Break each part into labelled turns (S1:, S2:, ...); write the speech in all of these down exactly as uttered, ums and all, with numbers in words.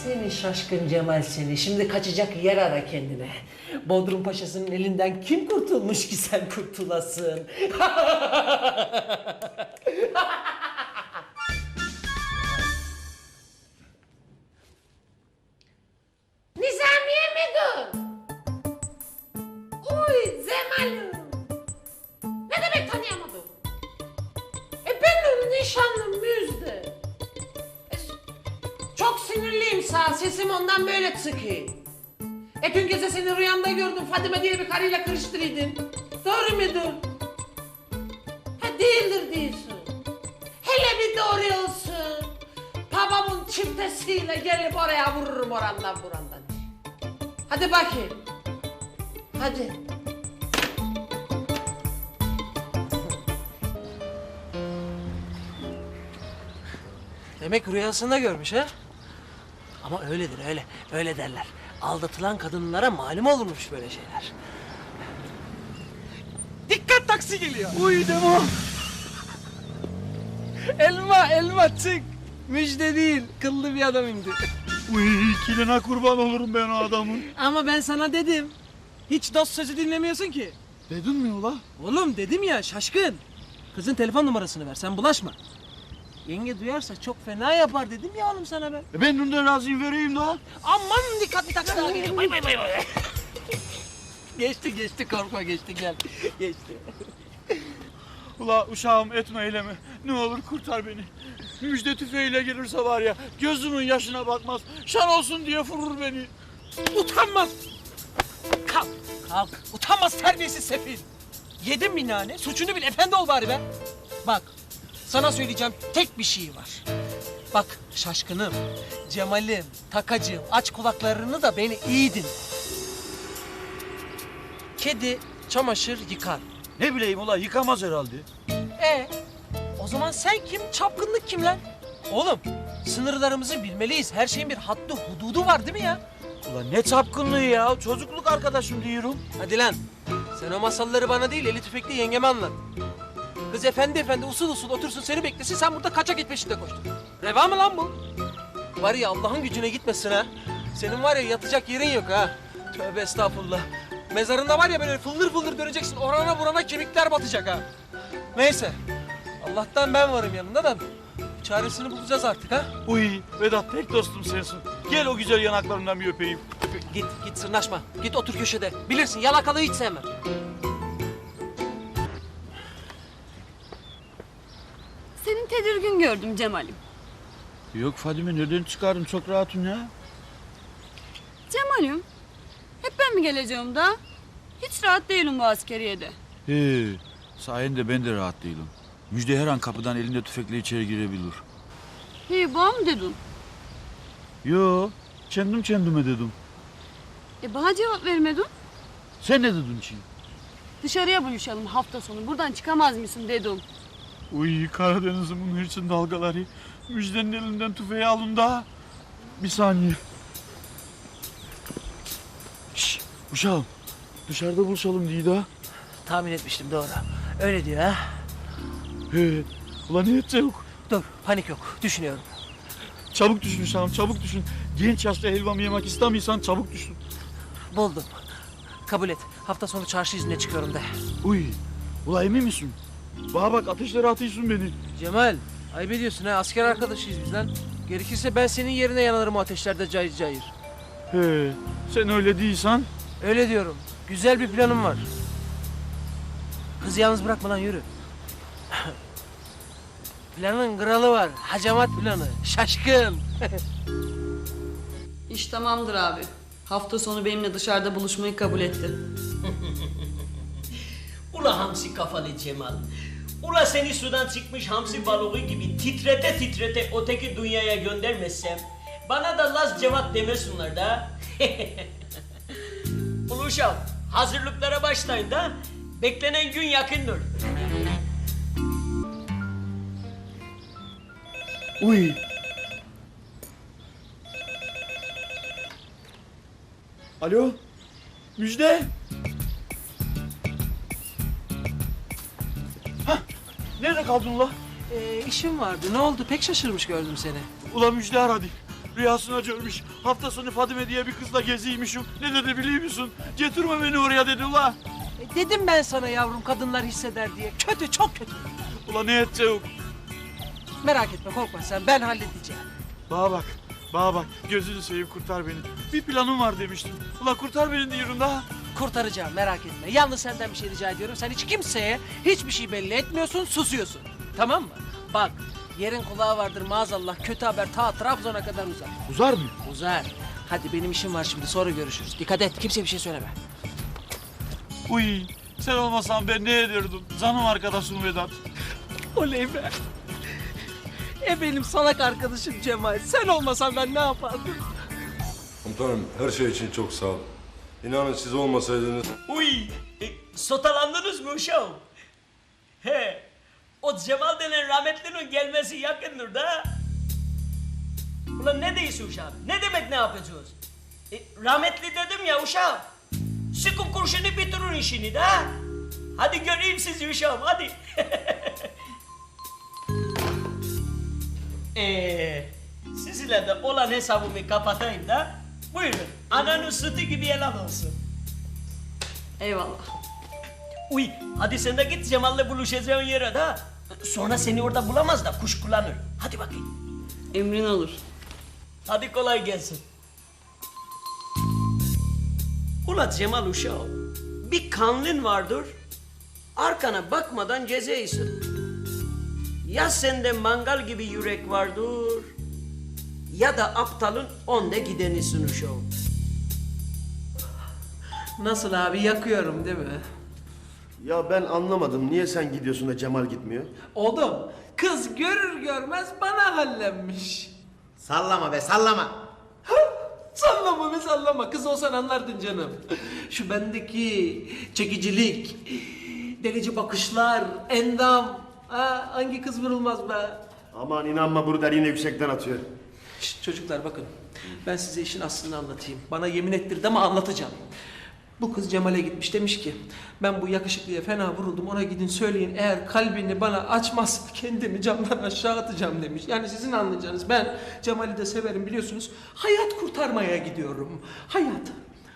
S1: Seni şaşkın Cemal seni. Şimdi kaçacak yer ara kendine. Bodrum Paşası'nın elinden kim kurtulmuş ki sen kurtulasın? Nizamiye mi dur? Uy Cemal'im. Ne demek tanıyamadım? E benim nişanlım Müjde. E, çok sinirliyim sağ, sesim ondan böyle çıkıyor. E dün gece seni rüyamda gördüm, Fadime diye bir karıyla karıştırıydın. Doğru mudur? Ha değildir diyorsun. Hele bir doğru olsun. Babamın çiftesiyle gelip oraya vururum orandan burandan. Hadi bakayım. Hadi. Demek rüyasında görmüş ha? Ama öyledir öyle, öyle derler. Aldatılan kadınlara malum olurmuş böyle şeyler. Dikkat taksi geliyor.
S2: Uy Demo.
S1: Elma, elma çık. Müjde değil, kıllı bir adam indi.
S2: Uy kiline kurban olurum ben o adamın.
S1: Ama ben sana dedim. Hiç dost sözü dinlemiyorsun ki.
S2: Dedin mi ula?
S1: Oğlum dedim ya şaşkın. Kızın telefon numarasını ver, sen bulaşma. Yenge duyarsa çok fena yapar dedim ya oğlum sana ben.
S2: E ben bundan razıyım vereyim daha.
S1: Aman dikkat bir taksi daha geliyor. Bay bay bay bay. Geçti geçti korkma geçti gel. Geçti.
S2: Ula uşağım etme eyleme. Ne olur kurtar beni. Müjde tüfeğiyle gelirse var ya gözümün yaşına bakmaz. Şan olsun diye vurur beni.
S1: Utanmaz. Kalk kalk. Utanmaz terbiyesiz sefil. Yedin mi nane? Suçunu bil efendi ol bari be. Bak sana söyleyeceğim tek bir şey var. Bak şaşkınım, Cemal'im, takacığım aç kulaklarını da beni iyi dinle. Kedi çamaşır yıkar.
S2: Ne bileyim ula yıkamaz herhalde.
S1: E o zaman sen kim? Çapkınlık kim lan? Oğlum sınırlarımızı bilmeliyiz. Her şeyin bir haddi hududu var değil mi ya?
S2: Ula ne çapkınlığı ya. Çocukluk arkadaşım diyorum.
S1: Hadi lan. Sen o masalları bana değil eli tüfekli yengeme anlat. Kız efendi efendi usul usul otursun seni beklesin sen burada kaçak et peşinde koştun. Reva mı lan bu? Var ya Allah'ın gücüne gitmesin ha. Senin var ya yatacak yerin yok ha. Tövbe estağfurullah. Mezarında var ya böyle fıldır fıldır döneceksin. Orana burana kemikler batacak ha. Neyse. Allah'tan ben varım yanında da çaresini bulacağız artık ha.
S2: Uy Vedat tek dostum sensin. Gel o güzel yanaklarından bir öpeyim.
S1: Git git sırnaşma. Git otur köşede. Bilirsin yalakalığı hiç sevmem.
S3: Senin tedirgin gördüm Cemal'im.
S2: Yok Fadime nereden çıkardın çok rahatım ya.
S3: Cemal'im, hep ben mi geleceğim da? Hiç rahat değilim bu askeriyede.
S2: He, sayende ben de rahat değilim. Müjde her an kapıdan elinde tüfekle içeri girebilir.
S3: Hey, bana mı dedin?
S2: Yo, kendim kendime dedim.
S3: E bana cevap vermedin.
S2: Sen ne dedin ki?
S3: Dışarıya buluşalım hafta sonu. Buradan çıkamaz mısın dedim.
S2: Uy Karadeniz'imin hırçın dalgaları. Müjdenin elinden tüfeği alın da. Bir saniye. Şşş uşağım. Dışarıda buluşalım diye daha.
S1: Tahmin etmiştim doğru. Öyle diyor ha.
S2: He, ulan ne edecek?
S1: Dur panik yok düşünüyorum.
S2: Çabuk düşün uşağım çabuk düşün. Genç yaşta helvamı yemek istemiyorsan çabuk düşün.
S1: Buldum. Kabul et. Hafta sonu çarşı izine çıkıyorum de.
S2: Uy, ula emin misin? Bana bak ateşlere atıyorsun beni.
S1: Cemal, ayıp ediyorsun ha. Asker arkadaşıyız biz lan. Gerekirse ben senin yerine yanarım o ateşlerde cayır cayır.
S2: He, sen öyle değilsen.
S1: Öyle diyorum. Güzel bir planım var. Kızı yalnız bırakma lan yürü. Planın kralı var. Hacamat planı. Şaşkın.
S3: İş tamamdır abi. Hafta sonu benimle dışarıda buluşmayı kabul etti.
S4: Ula hamsi kafalı Cemal. Ula seni sudan çıkmış hamsi balığı gibi titrete titrete öteki dünyaya göndermezsem bana da Laz Cevat demesinler da. Ula hazırlıklara başlayın da beklenen gün yakındır.
S2: Uy. Alo, Müjde. Hah, nerede kaldın ula?
S1: Ee, işim vardı. Ne oldu? Pek şaşırmış gördüm seni.
S2: Ula Müjde aradı. Rüyasına görmüş. Hafta sonu Fadime diye bir kızla geziymişim. Ne dedi biliyor musun? Getirme beni oraya dedi ula.
S5: E, dedim ben sana yavrum kadınlar hisseder diye. Kötü, çok kötü.
S2: Ula ne edeceğim?
S5: Merak etme, korkma sen, ben halledeceğim.
S2: Bana bak, bana bak. Gözünü seveyim kurtar beni. Bir planım var demiştim. Ula kurtar beni diyorum da.
S5: Kurtaracağım, merak etme. Yalnız senden bir şey rica ediyorum. Sen hiç kimseye hiçbir şey belli etmiyorsun, susuyorsun. Tamam mı? Bak, yerin kulağı vardır maazallah. Kötü haber ta Trabzon'a kadar uzar.
S2: Uzar mı?
S5: Uzar. Hadi benim işim var şimdi, sonra görüşürüz. Dikkat et, kimseye bir şey söyleme.
S2: Uy, sen olmasan ben ne ederdim? Canım arkadaşım Vedat.
S5: Oley be. E benim salak arkadaşım Cemal. Sen olmasan ben ne yapardım?
S6: Komutanım her şey için çok sağ olun. İnanın siz olmasaydınız...
S4: Uy, e, sotalandınız mı uşağım? He, o Cemal denen rahmetlinin gelmesi yakındır da. Ulan ne diyorsun uşağım? Ne demek ne yapacağız? E, rahmetli dedim ya uşağım. Sıkın kurşunu bitirin işini de. Hadi göreyim sizi uşağım, hadi. Eee, sizinle de olan hesabımı kapatayım da. Buyurun, ananın sütü gibi helal olsun.
S3: Eyvallah.
S4: Uy, hadi sen de git Cemal'le buluşacağın yere de. Sonra seni orada bulamaz da kuş kullanır. Hadi bakayım.
S3: Emrin olur.
S4: Hadi kolay gelsin. Ula Cemal uşağım, bir kanlın vardır, arkana bakmadan gezeysin. Ya sende mangal gibi yürek vardır, ya da aptalın onde gidenisin uşağım.
S5: Nasıl abi, yakıyorum değil mi?
S7: Ya ben anlamadım. Niye sen gidiyorsun da Cemal gitmiyor?
S5: Oğlum, kız görür görmez bana hallenmiş.
S8: Sallama be sallama.
S5: Sallama be sallama, kız olsan anlardın canım. Şu bendeki çekicilik, delici bakışlar, endam. Ha, hangi kız vurulmaz be?
S7: Aman inanma Bruder yine yüksekten atıyor.
S5: Şşt, çocuklar bakın, ben size işin aslını anlatayım. Bana yemin ettirdi ama anlatacağım. Bu kız Cemal'e gitmiş, demiş ki ben bu yakışıklıya fena vuruldum, ona gidin söyleyin eğer kalbini bana açmazsa kendimi camdan aşağı atacağım demiş. Yani sizin anlayacağınız, ben Cemal'i de severim biliyorsunuz, hayat kurtarmaya gidiyorum. Hayat.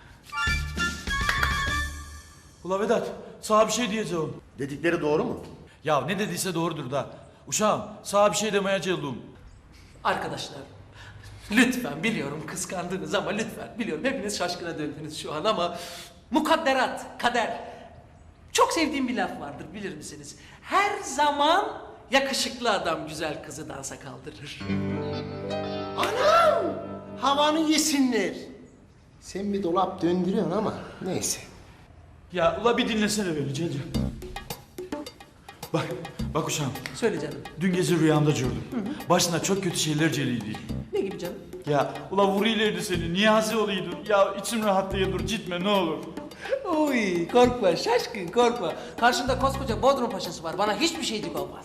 S2: Ula Vedat, sana bir şey diyeceğim.
S7: Dedikleri doğru mu?
S2: Ya ne dediyse doğrudur da. Uşağım, sana bir şey demeye geldim.
S5: Arkadaşlar, lütfen biliyorum kıskandınız ama lütfen biliyorum hepiniz şaşkına döndünüz şu an ama mukadderat, kader. Çok sevdiğim bir laf vardır, bilir misiniz? Her zaman yakışıklı adam güzel kızı dansa kaldırır.
S8: Anam! Havanı yesinler. Sen bir dolap döndürüyorsun ama neyse.
S2: Ya ula bir dinlesene beni Celil. Bak, bak uşağım.
S5: Söyle canım.
S2: Dün gece rüyamda gördüm. Başına çok kötü şeyler geliydi.
S5: Ne gibi canım?
S2: Ya ula vuruylaydı seni, niyazi oluydun. Ya içim rahat diye dur, gitme ne olur.
S5: Oy korkma şaşkın korkma. Karşında koskoca Bodrum Paşası var, bana hiçbir şeycik olmaz.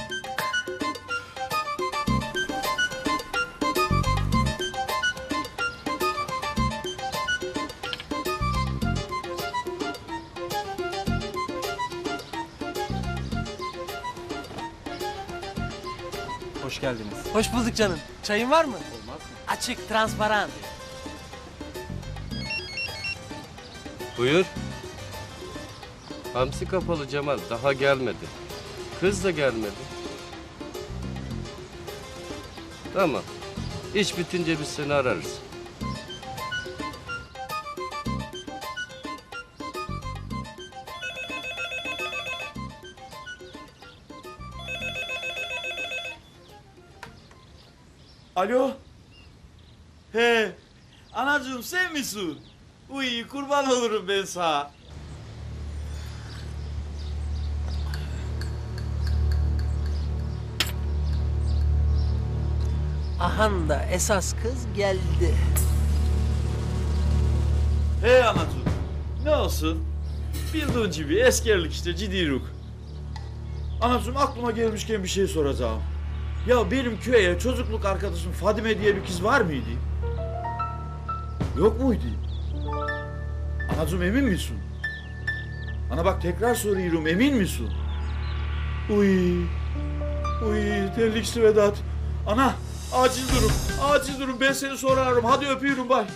S9: Hoş geldiniz.
S5: Hoş bulduk canım. Çayın var mı? Olmaz mı? Açık, transparan.
S10: Buyur. Hamsi kapalı Cemal daha gelmedi. Kız da gelmedi. Tamam. İş bitince biz seni ararız.
S2: Alo? He, anacığım sen misin? Uy kurban olurum ben sana.
S5: Ahan da esas kız geldi.
S2: He anacığım, ne olsun? Bildiğin gibi eskerlik işte cidiruk. Anacığım aklıma gelmişken bir şey soracağım. Ya benim köye çocukluk arkadaşım Fadime diye bir kız var mıydı? Yok muydu? Anacığım emin misin? Ana bak tekrar soruyorum, emin misin? Uy, uy terlikli Vedat. Ana Acil durum. Acil durum. Ben seni sonra ararım. Hadi öpüyorum bay.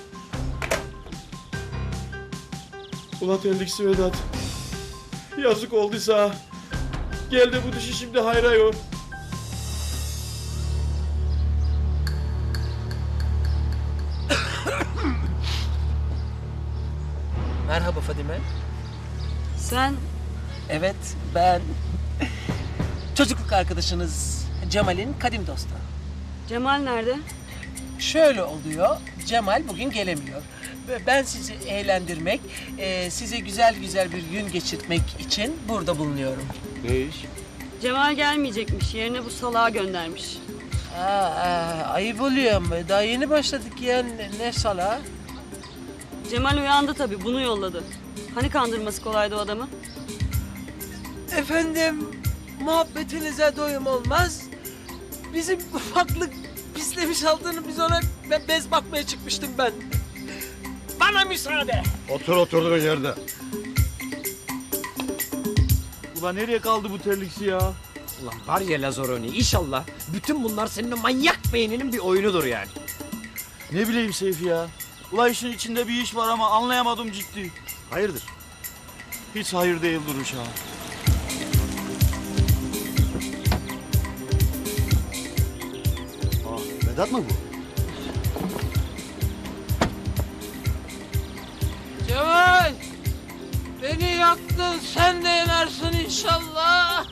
S2: Ulan terliksi Vedat. Yazık olduysa. Gel de bu dişi şimdi hayra yor.
S5: Merhaba Fadime.
S3: Sen
S5: Evet, ben çocukluk arkadaşınız Cemal'in kadim dostu.
S3: Cemal nerede?
S5: Şöyle oluyor, Cemal bugün gelemiyor. Ve ben sizi eğlendirmek, e, size güzel güzel bir gün geçirtmek için burada bulunuyorum.
S10: Ne iş?
S3: Cemal gelmeyecekmiş. Yerine bu salağı göndermiş.
S5: Aa, aa, ayıp oluyor ama daha yeni başladık ya, ne, ne sala?
S3: Cemal uyandı tabii. Bunu yolladı. Hani kandırması kolaydı o adamı?
S5: Efendim, muhabbetinize doyum olmaz. Bizim ufaklık pislemiş altını biz ona be- bez bakmaya çıkmıştım ben. Bana müsaade.
S6: Otur oturduğun yerde.
S2: Ulan nereye kaldı bu terliksi ya?
S11: Ulan var ya Lazaroni, inşallah bütün bunlar senin o manyak beyninin bir oyunudur yani.
S2: Ne bileyim Seyfi ya. Ulan işin içinde bir iş var ama anlayamadım ciddi.
S7: Hayırdır?
S2: Hiç hayır değil duruş ha.
S7: Aa, Vedat mı bu?
S5: Cemal! Beni yaktın, sen de yanarsın inşallah.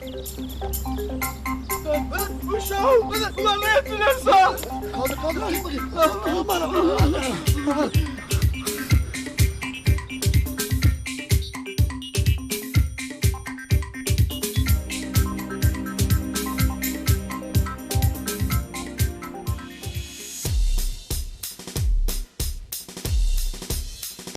S2: Uşağım! Ulan ne ettiler sağ?
S7: Kaldır kaldır. Kaldır bana.